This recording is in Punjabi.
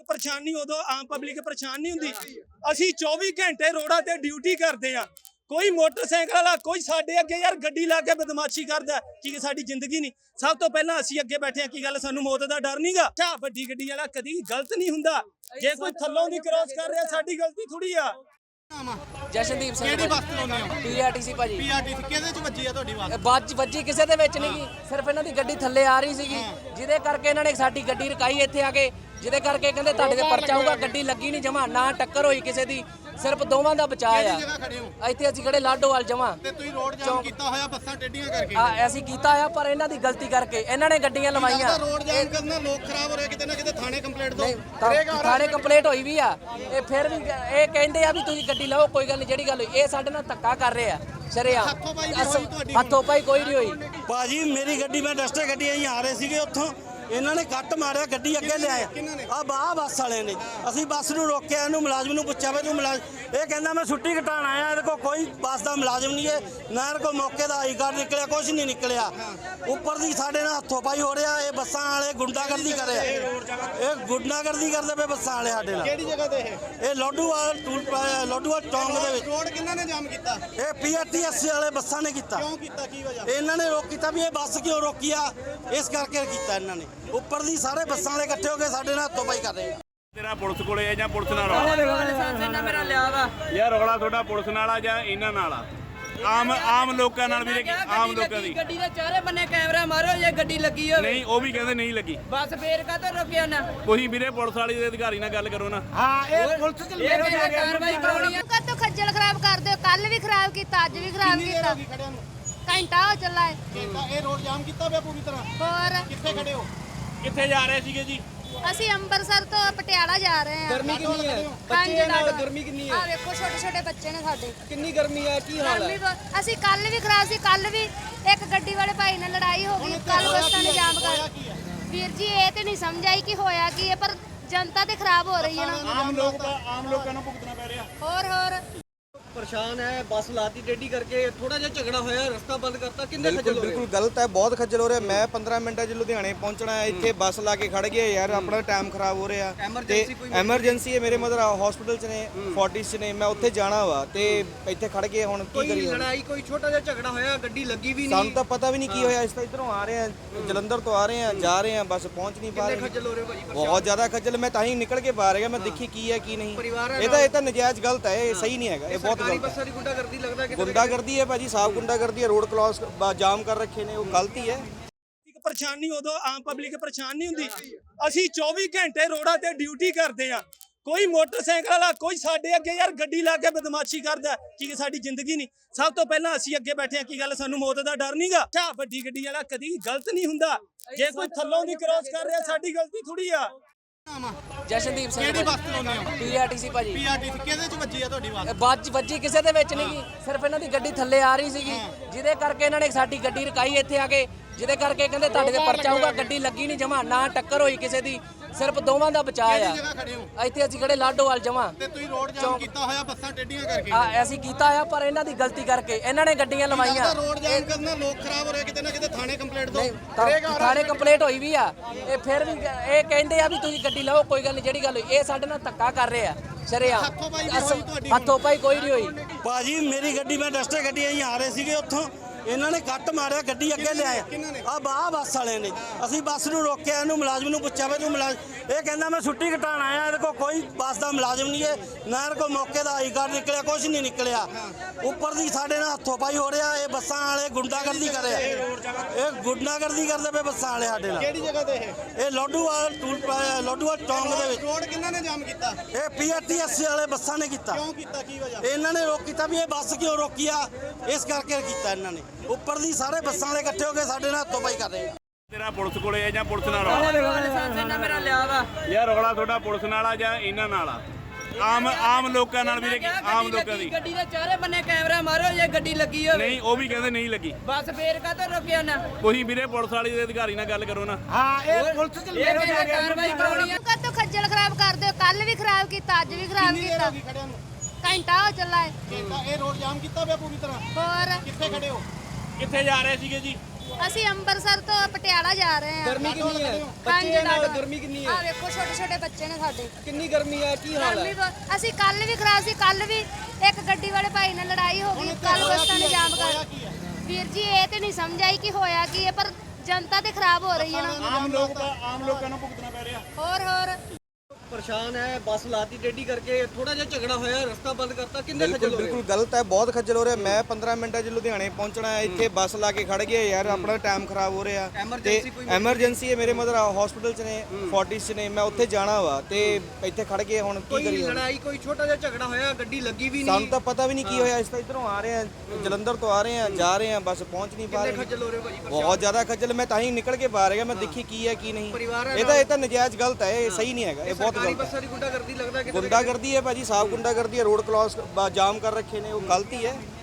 परेशानी उदों आम पब्लिक परेशान नहीं हुंदी। असीं 24 घंटे रोडां ते ड्यूटी करदे आ। कोई मोटरसाइकिल वाला कोई साडे अगे यार गड्डी ला के बदमाशी करदा कि साडी जिंदगी नहीं। सब तो पहला असीं अगे बैठे की गल सानू मौत दा डर नहींगा। अच्छा वड्डी गड्डी वाला कदी गलत नहीं हुंदा। जे कोई थल्लों दी क्रॉस कर रहा साडी गलती थोड़ी आ। ਜਸ਼ਨਦੀਪ ਸਿੰਘ ਕਿਹੜੀ ਬੱਸ ਚਲਾਉਂਦੇ ਹੋ? ਪੀਆਰਟੀਸੀ ਭਾਜੀ। ਪੀਆਰਟੀਸੀ ਕਿਹਦੇ ਚ ਵੱਜੀ ਆ ਤੁਹਾਡੀ ਬੱਸ? ਬੱਜ ਵੱਜੀ ਕਿਸੇ ਦੇ ਵਿੱਚ ਨਹੀਂ, ਸਿਰਫ ਇਹਨਾਂ ਦੀ ਗੱਡੀ ਥੱਲੇ ਆ ਰਹੀ ਸੀਗੀ, ਜਿਹਦੇ ਕਰਕੇ ਇਹਨਾਂ ਨੇ ਸਾਡੀ ਗੱਡੀ ਰਕਾਈ ਇੱਥੇ ਆ ਕੇ, ਜਿਹਦੇ ਕਰਕੇ ਕਹਿੰਦੇ ਤੁਹਾਡੇ ਤੇ ਪਰਚਾ ਹੋਊਗਾ। ਗੱਡੀ ਲੱਗੀ ਨਹੀਂ ਜਮਾ, ਨਾ ਟੱਕਰ ਹੋਈ ਕਿਸੇ ਦੀ, ਸਿਰਫ ਦੋਵਾਂ ਦਾ ਬਚਾਅ ਕਿਹੜੀ ਜਗ੍ਹਾ ਖੜੇ ਹੋ? ਆ। ਇੱਥੇ ਅਸੀਂ ਖੜੇ ਲਾਡੋਵਾਲ ਜਮਾ। ਤੇ ਤੁਸੀਂ ਰੋਡ ਜਾਮ ਕੀਤਾ ਹੋਇਆ ਬੱਸਾਂ ਟੇਢੀਆਂ ਕਰਕੇ? ਅਸੀਂ ਕੀਤਾ ਆ, ਪਰ ਇਹਨਾਂ ਦੀ ਗਲਤੀ ਕਰਕੇ ਇਹਨਾਂ ਨੇ ਗੱਡੀਆਂ ਲਵਾਈਆਂ। ਰੋਡ ਜਾਮ ਕਰਨਾ ਲੋਕ ਖਰਾਬ ਹੋ ਰਹੇ, ਕਿਤੇ ਨਾ ਕਿਤੇ ਥਾਣੇ ਕੰਪਲੇਂਟ ਦੋ। ਥਾਣੇ ਕੰਪਲੇਂਟ ਹੋਈ ਵੀ ਆ। ਇਹ ਫਿਰ ਵੀ ਇਹ ਕਹਿੰਦੇ ਆ ਵੀ ਤੁਸੀਂ ਗੱਡੀ ਲਾਓ, ਕੋਈ ਗੱਲ ਨਹੀਂ, ਜਿਹੜੀ ਗੱਲ ਹੋਈ ਇਹ ਸਾਡੇ ਨਾਲ ਧੱਕਾ ਕਰ ਰਹੇ ਆ ਸ਼ਰੇਆਮ। ਹੱਥੋਂ ਪਾਈ ਕੋਈ ਨਹੀਂ ਹੋਈ ਭਾਜੀ। ਮੇਰੀ ਗੱਡੀ ਮੈਂ ਡਸਟਰ ਗੱਡੀ ਅਸੀਂ ਆ ਰਹੇ ਸੀਗੇ ਉੱਥੋਂ, ਇਹਨਾਂ ਨੇ ਕੱਟ ਮਾਰਿਆ, ਗੱਡੀ ਅੱਗੇ ਲਿਆਏ ਆ ਬੱਸ ਵਾਲਿਆਂ ਨੇ। ਅਸੀਂ ਬੱਸ ਨੂੰ ਰੋਕਿਆ, ਇਹਨੂੰ ਮੁਲਾਜ਼ਮ ਨੂੰ ਪੁੱਛਿਆ ਵੀ ਤੂੰ ਮੁਲਾਜ਼ਮ, ਇਹ ਕਹਿੰਦਾ ਮੈਂ ਛੁੱਟੀ ਘਟਾਣ ਆਇਆ, ਇਹਦੇ ਕੋਲ ਕੋਈ ਬੱਸ ਦਾ ਮੁਲਾਜ਼ਮ ਨਹੀਂ ਹੈ, ਨਾ ਇਹਦੇ ਕੋਲ ਮੌਕੇ ਦਾ ਆਈ ਕਾਰਡ ਨਿਕਲਿਆ, ਕੁਝ ਨਹੀਂ ਨਿਕਲਿਆ। ਉੱਪਰ ਦੀ ਸਾਡੇ ਨਾਲ ਹੱਥੋਂ ਪਾਈ ਹੋ ਰਿਹਾ। ਇਹ ਬੱਸਾਂ ਵਾਲੇ ਗੁੰਡਾਗਰਦੀ ਕਰ ਰਹੇ, ਇਹ ਗੁੰਡਾਗਰਦੀ ਕਰਦੇ ਪਏ ਬੱਸਾਂ ਵਾਲੇ ਸਾਡੇ ਨਾਲ। ਕਿਹੜੀ ਜਗ੍ਹਾ ਤੇ ਇਹ ਲੋਡੂਵਾਲ ਲੋਡੂਵਾਲ ਚੌਂਕ ਦੇ ਵਿੱਚ। ਰੋਡ ਕਿਹਨਾਂ ਨੇ ਜਾਮ ਕੀਤਾ? ਇਹ ਪੀਆਰਟੀਐਸ ਵਾਲੇ ਬੱਸਾਂ ਨੇ ਕੀਤਾ। ਕਿਉਂ ਕੀਤਾ, ਕੀ ਵਜ੍ਹਾ? ਇਹਨਾਂ ਨੇ ਰੋਕ ਕੀਤਾ ਵੀ ਇਹ ਬੱਸ ਕਿਉਂ ਰੋਕੀ ਆ, ਇਸ ਕਰਕੇ ਕੀਤਾ ਇਹਨਾਂ ਨੇ। ਉੱਪਰ ਦੀ ਸਾਰੇ ਬੱਸਾਂ ਵਾਲੇ ਇਕੱਠੇ ਹੋ ਕੇ ਸਾਡੇ ਨਾਲ ਹੱਥੋਂ ਪਾਈ ਕਰ ਰਹੇ। ਤੇਰਾ ਪੁਲਿਸ ਕੋਲੇ ਆ ਜਾਂ ਪੁਲਿਸ ਨਾਲ ਰੌਲਾ? ਮੇਰਾ ਲਿਆ ਵਾ ਯਾਰ ਰੌਲਾ ਤੁਹਾਡਾ ਪੁਲਿਸ ਨਾਲ ਆ ਜਾਂ ਇਹਨਾਂ ਨਾਲ ਆ? ਆਮ ਲੋਕਾਂ ਨਾਲ ਵੀ, ਆਮ ਲੋਕਾਂ ਦੀ ਗੱਡੀ ਦੇ ਚਾਰੇ ਬੰਨੇ ਕੈਮਰਾ ਮਾਰੋ, ਜੇ ਗੱਡੀ ਲੱਗੀ ਹੋਵੇ। ਨਹੀਂ, ਉਹ ਵੀ ਕਹਿੰਦੇ ਨਹੀਂ ਲੱਗੀ। ਬਸ ਫੇਰ ਕਾਹਤੋਂ ਰੋਕਿਆ ਨਾ? ਤੁਸੀਂ ਵੀਰੇ ਪੁਲਿਸ ਵਾਲੀ ਦੇ ਅਧਿਕਾਰੀ ਨਾਲ ਗੱਲ ਕਰੋ ਨਾ। ਹਾਂ, ਇਹ ਪੁਲਿਸ ਚ ਕਾਰਵਾਈ ਕਰਾਉਣੀ ਆ। ਕਦੋਂ ਖੱਜਲ ਖਰਾਬ ਕਰਦੇ ਹੋ? ਕੱਲ ਵੀ ਖਰਾਬ ਕੀਤਾ, ਅੱਜ ਵੀ ਖਰਾਬ ਕੀਤਾ। ਖੜਿਆਂ ਨੂੰ ਘੰਟਾ ਹੋ ਚੱਲਾ ਹੈ। ਇਹ ਰੋਡ ਜਾਮ ਕੀਤਾ ਪਿਆ ਪੂਰੀ ਤਰ੍ਹਾਂ। ਹੋਰ ਕਿੱਥੇ ਖੜੇ ਹੋ? ਕਿੱਥੇ ਜਾ ਰਹੇ ਸੀਗੇ ਜੀ? ਅਸੀਂ ਅੰਮ੍ਰਿਤਸਰ ਤੋਂ ਪਟਿਆਲਾ ਜਾ ਰਹੇ ਹਾਂ। ਗਰਮੀ ਕਿੰਨੀ ਹੈ? ਬੱਚੇ ਨਾਲ ਗਰਮੀ ਕਿੰਨੀ ਆ ਵੇਖੋ, ਛੋਟੇ ਛੋਟੇ ਬੱਚੇ ਨੇ ਸਾਡੇ। ਕਿੰਨੀ ਗਰਮੀ ਹੈ, ਕੀ ਹਾਲ ਹੈ? ਅਸੀਂ ਕੱਲ ਵੀ ਖਰਾਬ ਸੀ, ਕੱਲ ਵੀ ਇੱਕ ਗੱਡੀ ਵਾਲੇ ਭਾਈ ਨਾਲ ਲੜਾਈ ਹੋ ਗਈ, ਕੱਲ ਬੱਸਾਂ ਨੇ ਜਾਮ ਕਰ। ਵੀਰ ਜੀ ਇਹ ਤੇ ਨਹੀਂ ਸਮਝ ਆਈ ਕਿ ਹੋਇਆ ਕੀ ਹੈ, ਪਰ ਜਨਤਾ ਤੇ ਖਰਾਬ ਹੋ ਰਹੀ ਹੈ ਨਾ। ਆਮ ਲੋਕਾਂ ਨੂੰ ਭੁਗਤਣਾ ਪੈ ਰਿਹਾ। ਹੋਰ परेशान है, बस लाती टेढ़ी करके थोड़ा जिहा झगड़ा होया, रास्ता बंद करता। किन्ने खज्जल हो रहे? बिल्कुल गलत है, बहुत खज्जल हो रहा है। मैं 15 मिनट लुधियाने पहुंचना है, इतने बस ला के खड़ गए यार, अपना टाइम खराब हो रहा है। एमरजेंसी है, मेरे मदर हॉस्पिटल च ने, फोर्टिस च ने, मैं उत्थे जाना वा ते इत्थे खड़ गए। हुण की करिए? लड़ाई कोई छोटा जिहा झगड़ा होया, गड्डी लगी भी नहीं। सानू तो पता भी नहीं की होया। इस तरह इधरों आ रहे हैं, जलंधर तो आ रहे हैं, जा रहे हैं, बस पहुंच नहीं पा रहे। खज्जल हो रहे भाजी? बहुत ज्यादा खज्जल। मैं ताही निकल के बाहर गया, मैं देखी की है की नहीं। ये तो नजायज गलत है, ये सही नहीं है, ये बहुत गलत है। गुंडागर्दी है भाजी, साफ गुंडागर्दी है। रोड क्रॉस जाम कर रखे ने, वो गलती है। परेशानी उदों आम पब्लिक परेशान नहीं हुंदी। असीं 24 घंटे रोडां ते ड्यूटी करदे आ। कोई मोटरसाइकिल वाला कोई साडे अगे यार गड्डी ला के बदमाशी करदा कि साडी जिंदगी नहीं। सब तो पहला असीं अगे बैठे की गल सानू मौत दा डर नहींगा। अच्छा वड्डी गड्डी वाला कदी गलत नहीं हुंदा। जे कोई थल्लों दी क्रॉस कर रहा साडी गलती थोड़ी आ। ਜਸ਼ਨਦੀਪ ਸਿੰਘ ਕਿਹੜੀ ਬੱਸ ਚਲਾਉਂਦੇ ਹੋ? ਪੀਆਰਟੀਸੀ ਭਾਜੀ। ਪੀਆਰਟੀਸੀ ਕਿਹਦੇ ਚ ਵੱਜੀ ਆ ਤੁਹਾਡੀ ਬੱਸ? ਬੱਜ ਵੱਜੀ ਕਿਸੇ ਦੇ ਵਿੱਚ ਨਹੀਂ, ਸਿਰਫ ਇਹਨਾਂ ਦੀ ਗੱਡੀ ਥੱਲੇ ਆ ਰਹੀ ਸੀਗੀ, ਜਿਹਦੇ ਕਰਕੇ ਇਹਨਾਂ ਨੇ ਸਾਡੀ ਗੱਡੀ ਰਕਾਈ ਇੱਥੇ ਆ ਕੇ, ਜਿਹਦੇ ਕਰਕੇ ਕਹਿੰਦੇ ਤੁਹਾਡੇ ਤੇ ਪਰਚਾ ਹੋਊਗਾ। ਗੱਡੀ ਲੱਗੀ ਨਹੀਂ ਜਮਾ, ਨਾ ਟੱਕਰ ਹੋਈ ਕਿਸੇ ਦੀ, ਸਿਰਫ ਦੋਵਾਂ ਦਾ ਬਚਾਅ ਕਿਹੜੀ ਜਗ੍ਹਾ ਖੜੇ ਹੋ? ਆ। ਇੱਥੇ ਅਸੀਂ ਖੜੇ ਲਾਡੋਵਾਲ ਜਮਾ। ਤੇ ਤੁਸੀਂ ਰੋਡ ਜਾਮ ਕੀਤਾ ਹੋਇਆ ਬੱਸਾਂ ਟੇਢੀਆਂ ਕਰਕੇ? ਅਸੀਂ ਕੀਤਾ ਆ, ਪਰ ਇਹਨਾਂ ਦੀ ਗਲਤੀ ਕਰਕੇ ਇਹਨਾਂ ਨੇ ਗੱਡੀਆਂ ਲਵਾਈਆਂ। ਰੋਡ ਜਾਮ ਕਰਨਾ ਲੋਕ ਖਰਾਬ ਹੋ ਰਹੇ, ਕਿਤੇ ਨਾ ਕਿਤੇ ਥਾਣੇ ਕੰਪਲੇਂਟ ਦੋ। ਥਾਣੇ ਕੰਪਲੇਂਟ ਹੋਈ ਵੀ ਆ। ਇਹ ਫਿਰ ਵੀ ਇਹ ਕਹਿੰਦੇ ਆ ਵੀ ਤੁਸੀਂ ਗੱਡੀ ਲਾਓ, ਕੋਈ ਗੱਲ ਨਹੀਂ, ਜਿਹੜੀ ਗੱਲ ਹੋਈ ਇਹ ਸਾਡੇ ਨਾਲ ਧੱਕਾ ਕਰ ਰਹੇ ਆ ਸ਼ਰੇਆਮ। ਹੱਥੋਂ ਪਾਈ ਕੋਈ ਨਹੀਂ ਹੋਈ ਭਾਜੀ। ਮੇਰੀ ਗੱਡੀ ਮੈਂ ਡਸਟਰ ਗੱਡੀ ਅਸੀਂ ਆ ਰਹੇ ਸੀਗੇ ਉੱਥੋਂ, ਇਹਨਾਂ ਨੇ ਕੱਟ ਮਾਰਿਆ, ਗੱਡੀ ਅੱਗੇ ਲਿਆਏ ਆ ਬੱਸ ਵਾਲਿਆਂ ਨੇ। ਅਸੀਂ ਬੱਸ ਨੂੰ ਰੋਕਿਆ, ਇਹਨੂੰ ਮੁਲਾਜ਼ਮ ਨੂੰ ਪੁੱਛਿਆ ਵੀ ਤੂੰ ਮੁਲਾਜ਼ਮ, ਇਹ ਕਹਿੰਦਾ ਮੈਂ ਛੁੱਟੀ ਘਟਾਣ ਆਇਆ, ਇਹਦੇ ਕੋਲ ਕੋਈ ਬੱਸ ਦਾ ਮੁਲਾਜ਼ਮ ਨਹੀਂ ਹੈ, ਨਾ ਇਹਦੇ ਕੋਲ ਮੌਕੇ ਦਾ ਆਈ ਕਾਰਡ ਨਿਕਲਿਆ, ਕੁਝ ਨਹੀਂ ਨਿਕਲਿਆ। ਉੱਪਰ ਦੀ ਸਾਡੇ ਨਾਲ ਹੱਥੋਂ ਪਾਈ ਹੋ ਰਿਹਾ। ਇਹ ਬੱਸਾਂ ਵਾਲੇ ਗੁੰਡਾਗਰਦੀ ਕਰ ਰਹੇ, ਇਹ ਗੁੰਡਾਗਰਦੀ ਕਰਦੇ ਪਏ ਬੱਸਾਂ ਵਾਲੇ ਸਾਡੇ ਨਾਲ। ਕਿਹੜੀ ਜਗ੍ਹਾ ਤੇ ਇਹ ਲੋਡੂਵਾਲ ਚੌਂਕ ਦੇ ਵਿੱਚ। ਰੋਡ ਕਿਹਨਾਂ ਨੇ ਜਾਮ ਕੀਤਾ? ਇਹ ਪੀਆਰਟੀਐਸ ਵਾਲੇ ਬੱਸਾਂ ਨੇ ਕੀਤਾ। ਕਿਉਂ ਕੀਤਾ, ਕੀ ਵਜ੍ਹਾ? ਇਹਨਾਂ ਨੇ ਰੋਕ ਕੀਤਾ ਵੀ ਇਹ ਬੱਸ ਕਿਉਂ ਰੋਕੀ ਆ, ਇਸ ਕਰਕੇ ਕੀਤਾ ਇਹਨਾਂ ਨੇ। ਉੱਪਰ ਦੀ ਸਾਰੇ ਬੱਸਾਂ ਵਾਲੇ ਇਕੱਠੇ ਹੋ ਕੇ ਸਾਡੇ ਨਾਲ ਹੱਥੋਂ ਪਾਈ ਕਰ ਰਹੇ। ਤੇਰਾ ਪੁਲਿਸ ਕੋਲੇ ਆ ਜਾਂ ਪੁਲਿਸ ਨਾਲ ਰੌਲਾ? ਮੇਰਾ ਲਿਆ ਵਾ। ਯਾਰ ਰੌਲਾ ਤੁਹਾਡਾ ਪੁਲਿਸ ਨਾਲ ਆ ਜਾਂ ਇਹਨਾਂ ਨਾਲ ਆ? ਆਮ ਲੋਕਾਂ ਨਾਲ ਵੀ, ਆਮ ਲੋਕਾਂ ਦੀ ਗੱਡੀ ਦੇ ਚਾਰੇ ਬੰਨੇ ਕੈਮਰਾ ਮਾਰੋ, ਜੇ ਗੱਡੀ ਲੱਗੀ ਹੋਵੇ। ਨਹੀਂ, ਉਹ ਵੀ ਕਹਿੰਦੇ ਨਹੀਂ ਲੱਗੀ। ਬਸ ਫੇਰ ਕਾਹਤੋਂ ਰੋਕਿਆ ਨਾ? ਤੁਸੀਂ ਵੀਰੇ ਪੁਲਿਸ ਵਾਲੀ ਦੇ ਅਧਿਕਾਰੀ ਨਾਲ ਗੱਲ ਕਰੋ ਨਾ। ਹਾਂ, ਇਹ ਪੁਲਿਸ ਚ ਕਾਰਵਾਈ ਕਰਾਉਣੀ ਆ। ਕਦੋਂ ਖੱਜਲ ਖਰਾਬ ਕਰਦੇ ਹੋ? ਕੱਲ ਵੀ ਖਰਾਬ ਕੀਤਾ, ਅੱਜ ਵੀ ਖਰਾਬ ਕੀਤਾ। ਖੜਿਆਂ ਨੂੰ ਘੰਟਾ ਹੋ ਚੱਲਾ ਹੈ। ਇਹ ਰੋਡ ਜਾਮ ਕੀਤਾ ਪਿਆ ਪੂਰੀ ਤਰ੍ਹਾਂ। ਹੋਰ ਕਿੱਥੇ ਖੜੇ ਹੋ? ਕਿੱਥੇ ਜਾ ਰਹੇ ਸੀਗੇ ਜੀ? ਅਸੀਂ ਅੰਮ੍ਰਿਤਸਰ ਤੋਂ ਪਟਿਆਲਾ ਜਾ ਰਹੇ ਹਾਂ। ਗਰਮੀ ਕਿੰਨੀ ਹੈ? ਪੰਜ ਬੱਚੇ ਨਾਲ ਡਾਲਰ। ਗਰਮੀ ਕਿੰਨੀ ਹੈ? ਆਹ ਵੇਖੋ ਛੋਟੇ ਛੋਟੇ ਬੱਚੇ ਨੇ ਸਾਡੇ। ਕਿੰਨੀ ਗਰਮੀ ਹੈ? ਕੀ ਹਾਲ ਗਰਮੀ ਹੈ? ਬਹੁਤ। ਅਸੀਂ ਕੱਲ ਵੀ ਖਰਾਬ ਸੀ, ਕੱਲ ਵੀ ਇੱਕ ਗੱਡੀ ਵਾਲੇ ਭਾਈ ਨਾਲ ਲੜਾਈ ਹੋ ਗਈ, ਕੱਲ ਬੱਸਾਂ ਨੇ ਜਾਮ ਕਰ। ਵੀਰ ਜੀ ਇਹ ਤੇ ਨਹੀਂ ਸਮਝ ਆਈ ਕਿ ਹੋਇਆ ਕੀ ਹੈ, ਪਰ ਜਨਤਾ ਤੇ ਖਰਾਬ ਹੋ ਰਹੀ ਹੈ ਨਾ। ਆਮ ਲੋਕਾਂ ਨੂੰ ਭੁਗਤਣਾ ਪੈ ਰਿਹਾ। ਹੋਰ ਪਰੇਸ਼ਾਨ ਹੈ, ਬੱਸ ਲਾਤੀ ਟੇਢੀ ਕਰਕੇ, ਥੋੜਾ ਜਿਹਾ ਝਗੜਾ ਹੋਇਆ, ਰਸਤਾ ਬੰਦ ਕਰਤਾ, ਕਿੰਨੇ ਖੱਜਲ ਬਿਲਕੁਲ ਹੋ ਰਹੇ? ਬਿਲਕੁਲ ਗਲਤ ਹੈ, ਬਹੁਤ ਖੱਜਲ ਹੋ ਰਿਹਾ। ਮੈਂ 15 ਮਿੰਟਾਂ 'ਚ ਲੁਧਿਆਣੇ ਪਹੁੰਚਣਾ ਹੈ, ਇੱਥੇ ਬੱਸ ਲਾ ਕੇ ਖੜ ਗਏ ਯਾਰ, ਆਪਣਾ ਟਾਈਮ ਖਰਾਬ ਹੋ ਰਿਹਾ। ਤੇ Emergency ਕੋਈ ਐਮਰਜੈਂਸੀ ਹੈ, ਮੇਰੇ ਮਦਰ ਹਸਪੀਟਲ 'ਚ ਨੇ, 40 'ਚ ਨੇ, ਮੈਂ ਉੱਥੇ ਜਾਣਾ ਵਾ ਤੇ ਇੱਥੇ ਖੜ ਗਏ, ਹੁਣ ਕੀ ਕੋਈ ਕਰੀਏ? ਲੜਾਈ, ਕੋਈ ਛੋਟਾ ਜਿਹਾ ਝਗੜਾ ਹੋਇਆ, ਗੱਡੀ ਲੱਗੀ ਵੀ ਸਾਨੂੰ ਨਹੀਂ, ਤਾਂ ਪਤਾ ਵੀ ਨਹੀਂ ਕੀ ਹੋਇਆ। ਇਸ ਤਾਂ ਇਧਰੋਂ ਆ ਰਹੇ ਆ, ਜਲੰਧਰ ਤੋਂ ਆ ਰਹੇ ਆ, ਜਾ ਰਹੇ ਆ, ਬਸ ਪਹੁੰਚ ਨਹੀਂ ਪਾ ਕਿੰਨੇ ਰਹੇ। ਖੱਜਲ ਹੋ ਰਹੇ ਹੋ ਭਾਜੀ? ਬਹੁਤ ਜ਼ਿਆਦਾ ਖੱਜਲ, ਮੈਂ ਤਾਂ ਹੀ ਨਿਕਲ ਕੇ ਬਾਹਰ ਗਿਆ, ਮੈਂ ਦੇਖੀ ਕੀ ਹੈ ਕੀ ਨਹੀਂ। ਪਰਿਵਾਰ ਹੈ ਇਹ ਤਾਂ ਨਜਾਇਜ਼ ਗਲਤ ਹੈ, ਇਹ ਸਹੀ ਨਹੀਂ ਹੈਗਾ, ਇਹ ਬਹੁਤ ਸਰਕਾਰੀ ਗਲਤ ਹੈ। ਬੱਸਾਂ ਦੀ ਗੁੰਡਾਗਰਦੀ ਲੱਗਦਾ ਕਿ ਗੁੰਡਾਗਰਦੀ ਹੈ ਭਾਜੀ, ਸਾਫ ਗੁੰਡਾਗਰਦੀ ਹੈ। ਰੋਡ ਕ੍ਰਾਸ ਜਾਮ ਕਰ ਰੱਖੇ ਨੇ, ਉਹ ਗਲਤੀ ਹੈ।